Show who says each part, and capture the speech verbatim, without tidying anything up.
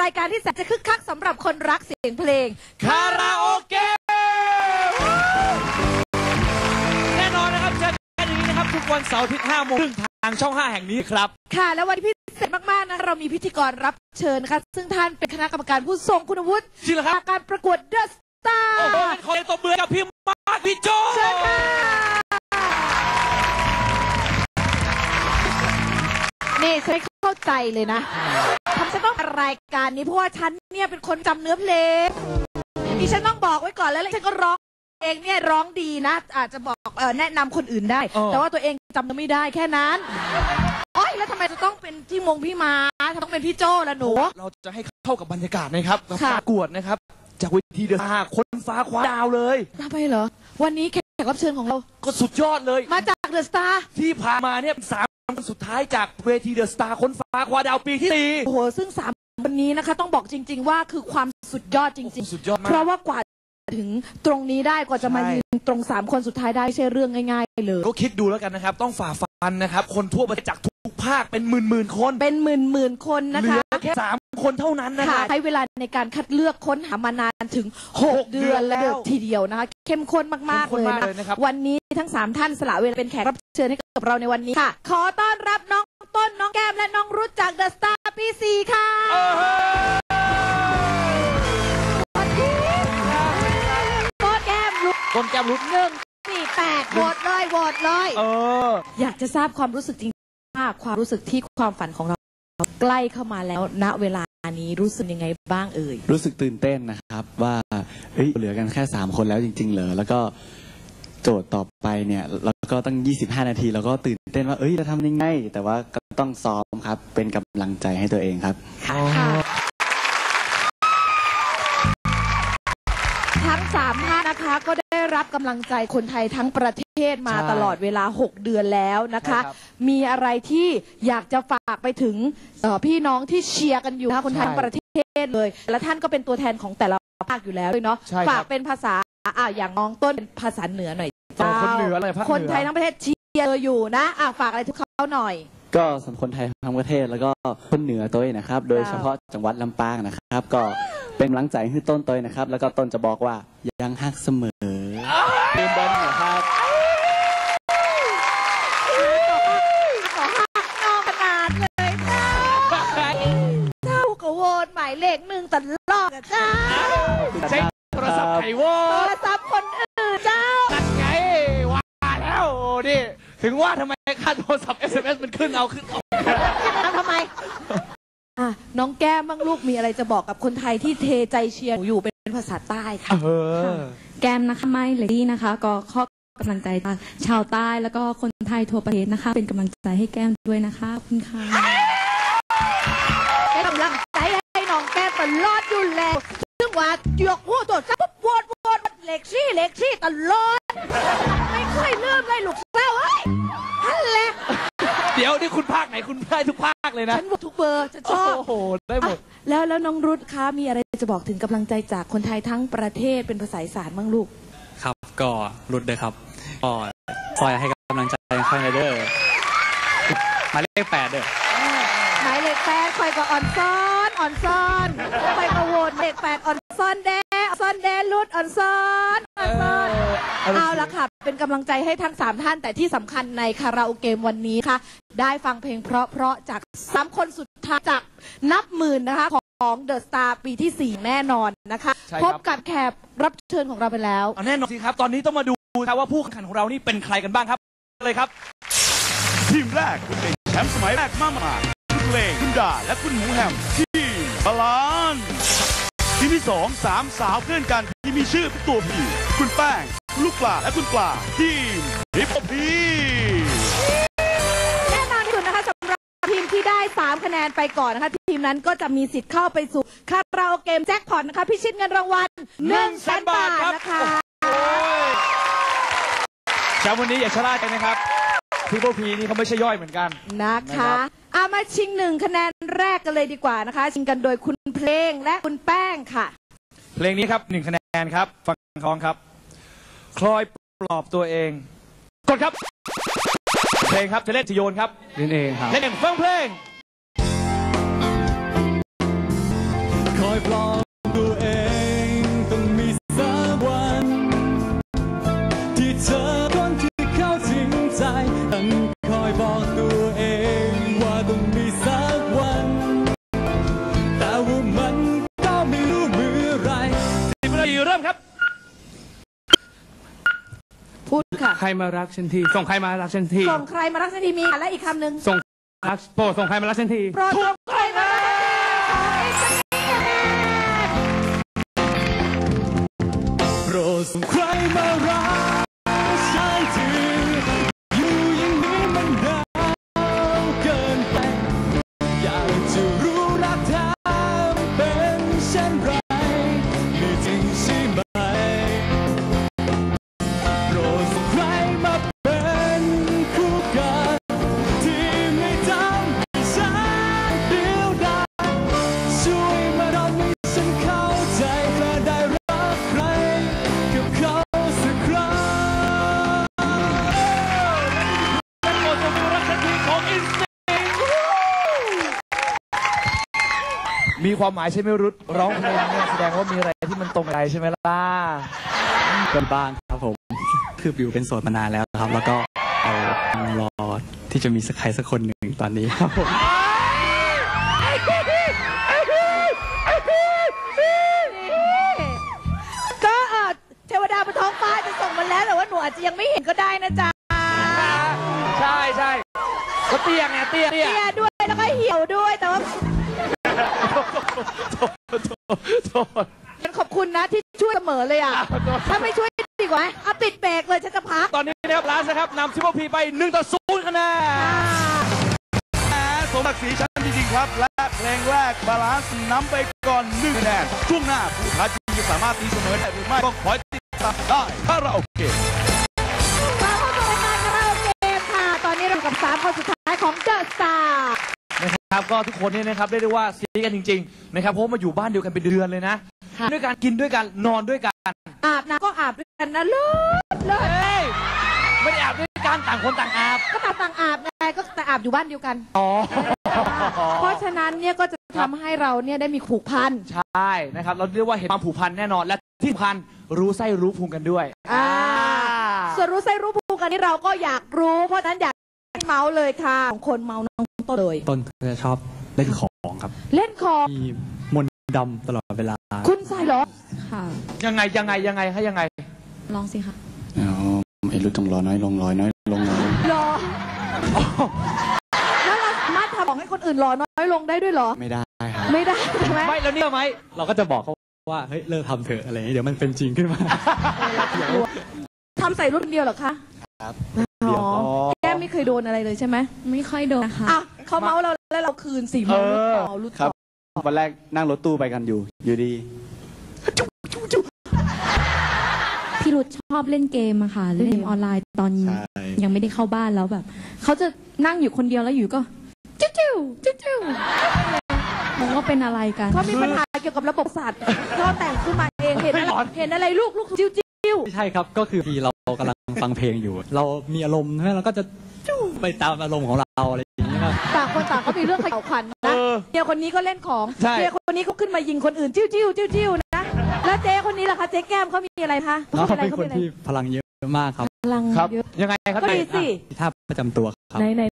Speaker 1: ายการที่แสนจะคึกคักสำหรับคนรักเสียงเพลง
Speaker 2: คาราโอเกะแน่นอนนะครับเจอกันอย่างนี้นะครับทุกวันเสาร์อาทิตย์ห้าโมงครึ่งทางช่องห้าแห่งนี้ครับ
Speaker 1: ค่ะแล้ววันที่พิเศษมากๆนะเรามีพิธีกรรับเชิญนะคะซึ่งท่านเป็นคณะกรรมการผู้ทรงคุณวุฒิจากการประกวดเดอะสตาร์
Speaker 2: โอ้โหขอตบมือกับพี่มาร์คพี่โจ
Speaker 1: เชิญค่ะนี่ฉันเข้าใจเลยนะทำฉันต้องรายการนี้เพราะว่าฉันเนี่ยเป็นคนจำเนื้อเพลงดิฉันต้องบอกไว้ก่อนแล้วฉันก็ร้องเองเนี่ยร้องดีนะอาจจะบอกเออแนะนำคนอื่นได้แต่ว่าตัวเองจำไม่ได้แค่นั้นโอ๊ยแล้วทำไมจะต้องเป็นที่มงพี่มาต้องเป็นพี่โจ้ละหนู
Speaker 2: เราจะให้เข้ากับบรรยากาศนะครับประกวดนะครับจากเวทีเดอะสตาร์คนฟ้าคว้าดาวเลย
Speaker 1: ทำไมเหรอวันนี้แขกรับเชิญของเรา
Speaker 2: ก็สุดยอดเลย
Speaker 1: มาจากเดอะสตาร์
Speaker 2: ที่ผ่านมาเนี่ยสามคนสุดท้ายจากเวทีเดอะสตาร์คนฟ้าคว้าดาวปีที่สี่
Speaker 1: โอ้โหซึ่งสามวันนี้นะคะต้องบอกจริงๆว่าคือความสุดยอดจริง
Speaker 2: ๆสุดยอดมาก
Speaker 1: เพราะว่ากว่าถึงตรงนี้ได้กว่าจะมายืนตรงสามคนสุดท้ายได้ใช่เรื่องง่ายๆเลย
Speaker 2: ก็คิดดูแล้วกันนะครับต้องฝ่าฟันนะครับคนทั่วประเทศจากทุกภาคเป็นหมื่นๆคน
Speaker 1: เป็นหมื่นๆคนนะคะ
Speaker 2: เหลือแค่สามคนเท่านั้นนะคะ
Speaker 1: ใช้เวลาในการคัดเลือกค้นหามานานถึงหกเดือนแล้วทีเดียวนะคะเข้มข้นมากๆเลยนะครับวันนี้ทั้งสามท่านสละเวลาเป็นแขกรับเชิญให้กับเราในวันนี้ค่ะขอต้อนรับน้องต้นน้องแก้มและน้องรุ้จากเดอะสตาร์ปีสี่ค่ะต้นแก้มรุ้
Speaker 2: ต้นแก้มรุ้
Speaker 1: หนึ่งสี่แปดโหวตเลยโหวตเลย
Speaker 2: เออ
Speaker 1: อยากจะทราบความรู้สึกจริงๆว่าความรู้สึกที่ความฝันของเราใกล้เข้ามาแล้วณเวลานี้รู้สึกยังไงบ้างเอ่ย
Speaker 3: รู้สึกตื่นเต้นนะครับว่าเฮ้ยเหลือกันแค่สามคนแล้วจริงๆเหรอแล้วก็โจทย์ต่อไปเนี่ยเราก็ตั้งยี่สิบห้านาทีเราก็ตื่นเต้นว่าเอ้ยจะทำยังไงแต่ว่าก็ต้องซ้อมครับเป็นกำลังใจให้ตัวเองครับ
Speaker 1: ทั้งสามท่านนะคะก็ได้รับกำลังใจคนไทยทั้งประเทศมาตลอดเวลาหกเดือนแล้วนะคะมีอะไรที่อยากจะฝากไปถึงพี่น้องที่เชียร์กันอยู่คนไทยทั้งประเทศเลยและท่านก็เป็นตัวแทนของแต่ละภาคอยู่แล้วด้วยเนาะฝากเป็นภาษาอ่ะอย่างน้องต้นเป็นภาษาเหนือหน่อย
Speaker 2: คนเหนืออะไรภาคเหนือ
Speaker 1: คนไทยทั้งประเทศเชียร์อยู่นะอ่ะฝากอะไรทุกเขาหน่อย
Speaker 3: ก็สำหรับคนไทยทั้งประเทศแล้วก็คนเหนือตัวเองนะครับโดยเฉพาะจังหวัดลำปางนะครับก็เป็นกำลังใจให้ต้นตัวนะครับแล้วก็ต้นจะบอกว่ายังฮักเสมอเติมบอลนะครับ
Speaker 1: ขอฮักน้องขนาดเลยนะเจ้าก็โหวตหมายเลขหนึ่งตลอดอะเจ้า
Speaker 2: ใช้โทรศัพท์ไขโหวต
Speaker 1: โทรศัพท์คนอื่นเจ้า
Speaker 2: นั่นไงว่าแล้วโอ้ดิถึงว่าทำไมค่าโทรศัพท์ เอส เอ็ม เอส มันขึ้นเอาขึ้นเอา
Speaker 1: ทำไมน้องแก้มบ้างลูกมีอะไรจะบอกกับคนไทยที่เทใจเชียร์อยู่เป็นภาษาใต้ค่ะ
Speaker 4: แก้มนะคะไม่เลยดีนะคะก็ข้อกำลังใจชาวใต้แล้วก็คนไทยทั่วประเทศนะคะเป็นกำลังใจให้แก้มด้วยนะคะขอบคุณค่ะ
Speaker 1: เป็นกำลังใจให้น้องแก้มตลอดอยู่แล้วซึ่งว่าหยกหัวตัวซับปุ๊บวอดวอดเล็กซี่เล็กซี่ตลอดไม่เคยลืมเลยลูกเต้าเอ้ยฮัลโหล
Speaker 2: เดี๋ยวนี่คุณภาคไหนคุณได้ทุกภาคเลยนะ
Speaker 1: ฉันหมดทุกเบอร์ฉันชอบ
Speaker 2: โอ้โหได้หมด
Speaker 1: แล้วแล้วน้องรุ้คะมีอะไรจะบอกถึงกำลังใจจากคนไทยทั้งประเทศเป็นภาษาอีสานบ้างลูก
Speaker 5: ครับก็รุ้เลยครับก็คอยให้กำลังใจข้างในเด้อหมายเลขแปดเด้อ
Speaker 1: หมายเลขแปดคอยก็อ่อนซ้อนอ่อนซ้อนคอยก็โหวตเลขแปดอ่อนซ้อนแดซ้อนแดรุดอ่อนซ้อนอ่อนซ้อนเอาละค่ะเป็นกำลังใจให้ทั้งสามท่านแต่ที่สำคัญในคาราโอเกมวันนี้ค่ะได้ฟังเพลงเพราะๆจากสามคนสุดท้ายจากนับหมื่นนะคะของเดอะสตาร์ปีที่สี่แน่นอนนะคะพบกับแขกรับเชิญของเราไปแล้ว
Speaker 2: แน่นอนสิครับตอนนี้ต้องมาดูครับว่าผู้แข่งขันของเรานี่เป็นใครกันบ้างครับเลยครับ
Speaker 6: ทีมแรกคุณเป็นแชมป์สมัยแรกมามาคุณเพลงคุณดาและคุณหมูแฮมทีมบาลานทีมที่สองสามสาวเพื่อนกันที่มีชื่อเป็นตัวผีคุณแป้งคุณลูกปลาและคุณปลาทีมฮิปโปพี
Speaker 1: แน่นอนที่สุดนะคะสำหรับทีมที่ได้สามคะแนนไปก่อนนะคะทีมนั้นก็จะมีสิทธิ์เข้าไปสู่คาราโอเกมแจ็คพอตนะคะพิชิตเงินรางวัลหนึ่งแสนบาทนะคะ
Speaker 2: แชมป์วันนี้อย่าชะล่าใจนะครับฮิปโปพีนี่เขาไม่ใช่ย่อยเหมือนกัน
Speaker 1: นะคะเอามาชิงหนึ่งคะแนนแรกกันเลยดีกว่านะคะชิงกันโดยคุณเพลงและคุณแป้งค่ะ
Speaker 2: เพลงนี้ครับหนึ่งคะแนนครับฟังคล้องครับคลอยปลอบตัวเองกดครับเพลงครับจะเล่นจะโยนครับ
Speaker 3: เล่นเองครับ
Speaker 2: เล่นเองฟังเพลง
Speaker 7: อยปลอบตัวเองต้องมีสักวันที่เธอคนที่เข้าถึงใจฉันคอยบอกตัวเองว่าต้องมีสักวันแต่ว่ามันก็ไม่รู้เมื่อไร
Speaker 2: สิบนาทีเริ่มครับ
Speaker 1: พูดค่ะ
Speaker 8: ใครมารักฉันทีส่งใครมารักฉันที
Speaker 1: ส่งใครมารักฉันทีมีและอีกคำหนึ่ง
Speaker 8: ส่งรักโปรดส่งใครมารักฉันที
Speaker 1: โปรดส่งใครมารักฉันทีขอให้ฉัน
Speaker 7: โปรดส่งใครมารักฉันทีอยู่อย่างนี้มันหนาวเกินไปอยากจะรู้รักเธอเป็นเช่นไรมีจริงใช่ไหมโปรดส่งใครมาเป็นคู่กันที่ไม่ทำให้ฉันเดียวดายช่วยมาทำให้ฉันเข้าใจและได้รักใครกับเขาสักครั้ง
Speaker 2: โปรดส่งรักฉันทีของอินสติ้งมีความหมายใช่ไหมรุดร้องเพลงเนี่ยแสดงว่ามีอะไรที่มันตรงใจใช่ไหมล่ะ
Speaker 5: เป็นบ้างครับผม คือบิวเป็นโสดมานานแล้วครับ แล้วก็เอารอที่จะมีสักใครสักคนหนึ่งตอนนี้ครับผม
Speaker 1: ก็เออเทวดาบนท้องฟ้าจะส่งมาแล้วแต่ว่าหนูอาจจะยังไม่เห็นก็ได้นะจ๊ะ
Speaker 2: ใช่ใช่ก็เตี้ยไงเตี้ยเตี้ย
Speaker 1: เตี้ยด้วยแล้วก็เหี่ยวด้วยแต่ว่า
Speaker 2: โทษ
Speaker 1: ฉันขอบคุณนะที่ช่วยเสมอเลยอ่ะถ้าไม่ช่วยดีกว่าเอาปิดเบรกเลยฉันจะพัก
Speaker 2: ตอนนี้นะครับลาสนะครับนำซิปเปอร์พีไปหนึ่งต่อศูนย์คะแนน
Speaker 6: แหมสมศักดิ์ศรีชั้นจริงๆครับ และเพลงแรกบาลานซ์นำไปก่อนหนึ่งคะแนนช่วงหน้าผู้ท้าชิงจะสามารถตีเสมอได้หรือไม่ก็ขอให้ติดตามได้คาราโอเกะ
Speaker 1: มาเข้าสู่รายการคาราโอเกะค่ะ ตอนนี้เรากับสามคนสุดท้ายของเดอะสตาร์
Speaker 2: นะครับก็ทุกคนเนี่ยนะครับเรียกได้ว่าซีกันจริงๆนะครับเพราะว่ามาอยู่บ้านเดียวกันเป็นเดือนเลยนะด้วยการกินด้วยกันนอนด้วยกัน
Speaker 1: อาบน้ำก็อาบด้วยกันนะเลิศเลิศ
Speaker 2: เฮ้ยไม่ได้อาบด้วยกันต่างคนต่างอาบ
Speaker 1: ก็ต่างต่างอาบไงก็แต่อาบอยู่บ้านเดียวกัน
Speaker 2: อ๋อ
Speaker 1: เพราะฉะนั้นเนี่ยก็จะทำให้เราเนี่ยได้มีผูกพัน
Speaker 2: ใช่นะครับเราเรียกว่าเห็นความผูกพันแน่นอนและที่สำคัญรู้ไส้รู้พุงกันด้วย
Speaker 1: อ่าส่วนรู้ไส้รู้ภูกันนี่เราก็อยากรู้ เพราะฉะนั้นอยากให้เมาส์เลยค่ะของคนเมาน้องต้นเลย
Speaker 5: ต้นจะชอบเล่นของครับ
Speaker 1: เล่นของ
Speaker 5: มีมนต์ดำตลอดเวลา
Speaker 1: คุณใส่เหรอ
Speaker 4: ค่ะ
Speaker 2: ยังไงยังไงยังไงให้ยังไง
Speaker 4: ลองสิค่ะ
Speaker 3: อ๋อไอ้รู้ต้องรอน้อยลงร้อยน้อยลงน้อย
Speaker 1: รอแล้วเราสามารถทำของให้คนอื่นรอน้อยลงได้ด้วยเหรอ
Speaker 3: ไม่ได้ครับ
Speaker 1: ไม่ได้ใช่ไหม
Speaker 2: ไม่แล้วเนี่ยไหม
Speaker 5: เราก็จะบอกเขาว่าเฮ้ยเลิกทำเถอะอะไรอย่างนี้เดี๋ยวมันเป็นจริงขึ้นมา
Speaker 1: ทำใส่รุ่นเดียวเหรอคะ
Speaker 3: ครับ
Speaker 1: อ๋อแก้มไม่เคยโดนอะไรเลยใช่ไหม
Speaker 4: ไม่ค่อยโดนนะคะ
Speaker 1: อ่ะเขาเมาส์เราแล้วเราคืนสี่เมาส์รุ่นต่อรุ่น
Speaker 3: ครั
Speaker 1: ต่
Speaker 3: บ
Speaker 1: อ
Speaker 3: วันแรกนั่งรถตู้ไปกันอยู่ อยู่ดี
Speaker 4: พี่รุธชอบเล่นเกมอะค่ะ เล่นเกมออนไลน์ตอน
Speaker 3: ใช่
Speaker 4: ยังไม่ได้เข้าบ้านแล้วแบบ เขาจะนั่งอยู่คนเดียวแล้วอยู่ก็จิ้วจิ้วจิ้วจิ้วมองว่าเป็นอะไรกัน
Speaker 1: เขามีปัญหาเกี่ยวกับระบบสัตว์เขาแต่งขึ้นมาเองเห็นอะไรเห็นอะไรลูกลูกจิ้วจิ้ว
Speaker 5: ไม่ใช่ครับก็คือที่เรากำลังฟังเพลงอยู่ เรามีอารมณ์ใช่ไหมเราก็จะจู้ไปตามอารมณ์ของเราอะไรอย่างนี้ครับ
Speaker 1: ต่างคนต่างก็มีเรื่องเขย่าขวัญนะเมียคนนี้ก็เล่นของ
Speaker 2: ใช่
Speaker 1: เมียคนนี้เขาขึ้นมายิงคนอื่นจิ้วจิ้วจิ้วจิ้วนะแล้วเจ๊คนนี้ล่ะคะเจ๊แก้มเขามีอะไรคะ
Speaker 5: เขา
Speaker 1: มีอะไร
Speaker 5: เป็นคนที่พลังเยอะมากครับ
Speaker 1: พลัง
Speaker 2: ครับ
Speaker 1: เยอะ
Speaker 2: ยังไงครับ
Speaker 1: ก็ดีสิ
Speaker 5: ท่าประจำตัวครับ
Speaker 1: ไหนไหน